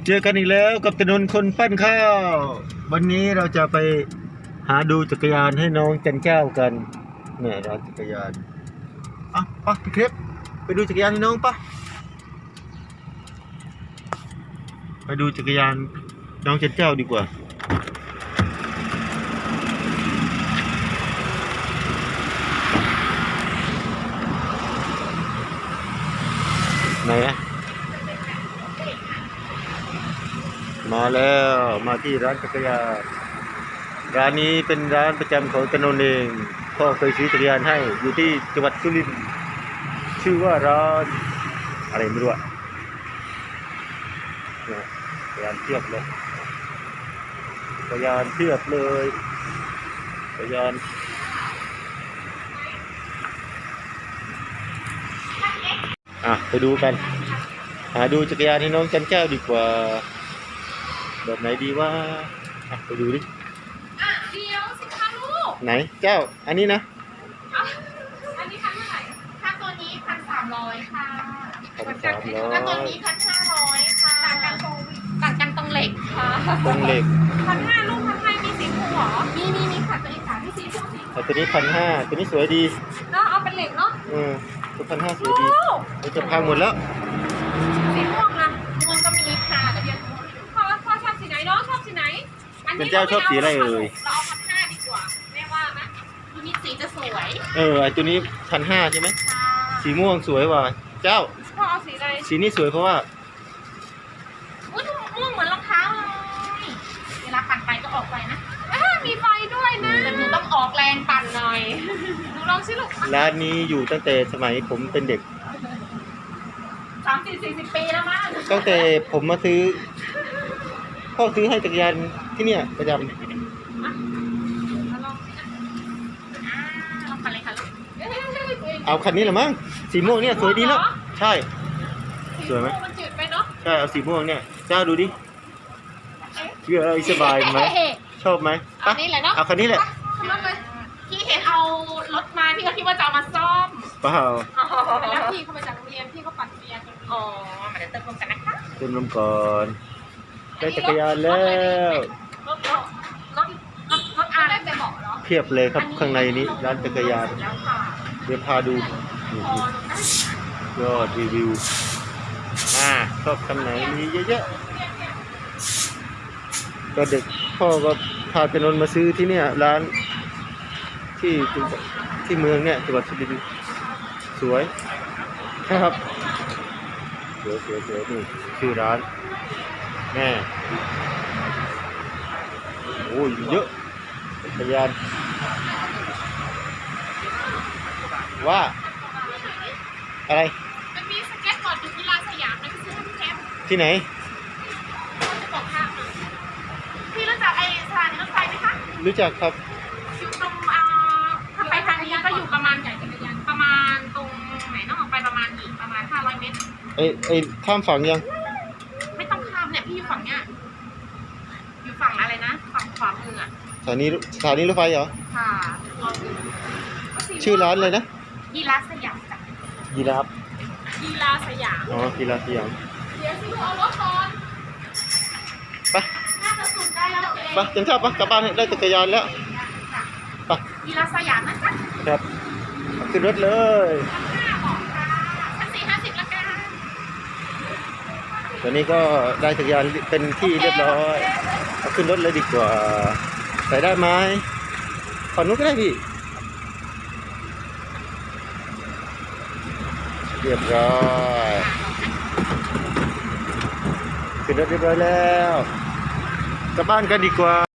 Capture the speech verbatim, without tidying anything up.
เจอกันอีกแล้วกับถนนคนปั้นข้าววันนี้เราจะไปหาดูจักรยานให้น้องจันเจ้ากันเนี่ยร้านจักรยานอ่ะปะพี่เครปไปดูจักรยานให้น้องปะไปดูจักรยานน้องจันเจ้าดีกว่าไหนอะมาแล้วมาที่ร้านจักรยานร้านนี้เป็นร้านประจำของตนนเองพ่อเคยซื้อจักรยานให้อยู่ที่จังหวัดสุรินทร์ชื่อว่าร้านอะไรไม่รู้อะเนี่ยจักรยานเทียบเลยจักรยานเทียบเลยจักรยานอ่ะไปดูกันหาดูจักรยานให้น้องจันเจ้าดีกว่าแบบไหนดีว่าอ่ะไปดูดิอ่ะเดี๋ยวสิคะลูกไหนเจ้าอันนี้นะอ่ะอันนี้พันเท่าไหร่ถ้าตัวนี้พันสามร้อยค่ะพันสามร้อยถ้าตัวนี้พันห้าร้อยค่ะต่างกันตรงต่างกันตรงเหล็กค่ะตรงเหล็กพันห้าลูกพันห้ามีสีฟูหรอมีมีมีค่ะตัวอีกสามที่สีฟูสีแต่ตัวนี้พันห้าตัวนี้สวยดีเนาะเอาเป็นเหล็กเนาะเออตัวพันห้าสวยดีมันจะพังหมดแล้วสีม่วงนะม่วงก็มีค่ะแต่เดียวพ่อพ่อชอบสีไหนน้องชอบสีไหนเป็นเจ้าชอบสีอะไรเอ่ยเราเอาพันห้าดีกว่าแม่ว่านะตัวนี้สีจะสวยเออไอตัวนี้พันห้าใช่ไหมสีม่วงสวยว่ะเจ้าพ่อเอาสีอะไรสีนี้สวยเพราะว่าอุ้ยม่วงเหมือนรองเท้าเลยเวลาปั่นไปก็ออกไปนะมีไฟด้วยนะแต่หนูต้องออกแรงปั่นหน่อยหนูลองสิลูกร้านนี้อยู่ตั้งแต่สมัยผมเป็นเด็กสามสี่สี่สิบปีแล้วมั้งตั้งแต่ผมมาซื้อพ่อซื้อให้จักรยานที่เนี่ยประจำลองสิอ่ะลองปั่นเลยค่ะลูกเอาคันนี้เหรอมั้งสีม่วงเนี่ยสวยดีแล้วใช่สวยไหมมันจืดไปเนาะใช่เอาสีม่วงเนี่ยเจ้าดูดิเชื่อสบายไหมชอบไหมเอานี้แหละเนาะเอาคันนี้แหละพี่เห็นเอารถมาพี่ก็คิดว่าจะเอามาซ่อมเปล่าแล้วพี่เขามาจากโรงเรียนพี่เขาปั่นจักรยานอ๋อมาเดี๋ยวเติมลมกันนะคะเติมลมก่อนได้จักรยานแล้วรถรถรถรถอะไรไปบอกเหรอเพียบเลยครับข้างในนี้ร้านจักรยานเดี๋ยวพาดูยอดรีวิวอ่าชอบคำไหนมีเยอะๆก็เด็กพ่อก็พาไปนนมาซื้อที่เนี่ยร้านที่ที่เมืองเนี่ยจังหวัดสุรินทร์สวยครับสวยสวยสวยนี่ชื่อร้านแม่โอ้ยเยอะจักรยานว่าอะไรมันมีสเก็ตบอร์ดอยู่ที่ร้านสยามนะพี่ซื้อให้พี่แคมที่ไหนจะบอกค่ะพี่รู้จักไอ้สถานีรถไฟไหมคะรู้จักครับอยู่ตรงอ่าถ้าไปทางนี้ก็อยู่ประมาณไหนประมาณตรงไหนต้องออกไปประมาณอีกประมาณห้าร้อยเมตรเอ้ยเอ้ยข้ามฝั่งยังไม่ต้องข้ามเนี่ยพี่อยู่ฝั่งเนี้ยอยู่ฝั่งอะไรนะฝั่งขวามืออ่ะสถานีสถานีรถไฟเหรอค่ะชื่อร้านเลยนะยีราฟสยามจ้ะยีราฟยีราฟสยามอ๋อยีราฟสยามเดี๋ยวพี่เอารถก่อนไปน่าจะสุดได้แล้วเองไปจันทราบปะกลับบ้านได้จักรยานแล้วไปยีราฟสยามนะจ๊ะครับขึ้นรถเลยห้าบอกค่ะชั้นสี่ห้าสิบละกันตอนนี้ก็ได้จักรยานเป็นที่เรียบร้อยเอาขึ้นรถเลยดีกว่าใส่ได้ไหมขอนุ๊กก็ได้พี่เรียบร้อยขึ้นรถเรียบร้อยแล้วกลับบ้านกันดีกว่า